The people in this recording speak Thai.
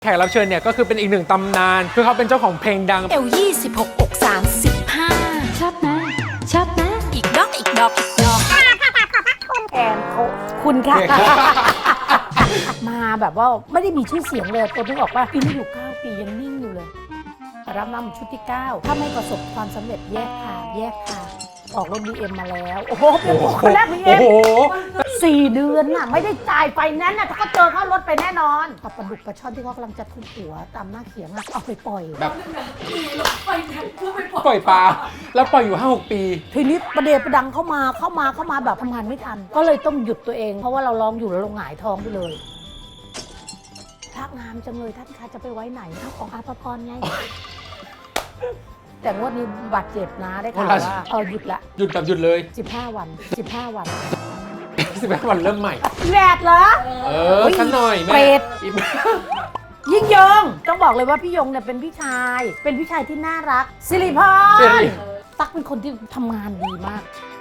แขกรับเชิญเนี่ยก็คือเป็นอีกหนึ่งตำนานคือเขาเป็นเจ้าของเพลงดังเอว26อก35ชอบไหมชอบไหมอีกดอกอีกดอกอีกดอกแอนเขาคุณค่ะ มาแบบว่าไม่ได้มีชื่อเสียงเลยตัวนึกออกว่าปีนี้อยู่9 ปียังนิ่งอยู่เลยรับนำชุดที่ 9 ถ้าไม่ประสบความสำเร็จแยกค่ะแยกค่ะออกรถ BM มาแล้วโอ้โหเป็นคนแรก BM 4 เดือนน่ะไม่ได้จ่ายไฟแนนซ์น่ะถ้าเขาเจอเข้ารถไปแน่นอนปลาดุกปลาช่อนที่เขากำลังจะทุบหัวตามหน้าเขียงอะเอาไปปล่อยแบบปล่อยปลาแล้วปล่อยอยู่ 5-6 ปีทีนี้ประเดประดังเข้ามาแบบทำงานไม่ทัน ก็เลยต้องหยุดตัวเอง เพราะว่าเราร้องอยู่แล้วเราหงายท้องไปเลยทักงามจังเลยท่านคะจะไปไว้ไหนเอาของอาภพรไง แต่งวดนี้บาดเจ็บนะได้ข่าวว่าหยุดละหยุดแบบหยุดเลย 15 วัน 15 วัน 15 วันเริ่มใหม่แหวดเหรอสักหน่อยแม่เปรต ยิ่งยงต้องบอกเลยว่าพี่ยงเนี่ยเป็นพี่ชายที่น่ารักสิริพรตั๊กเป็นคนที่ทำงานดีมาก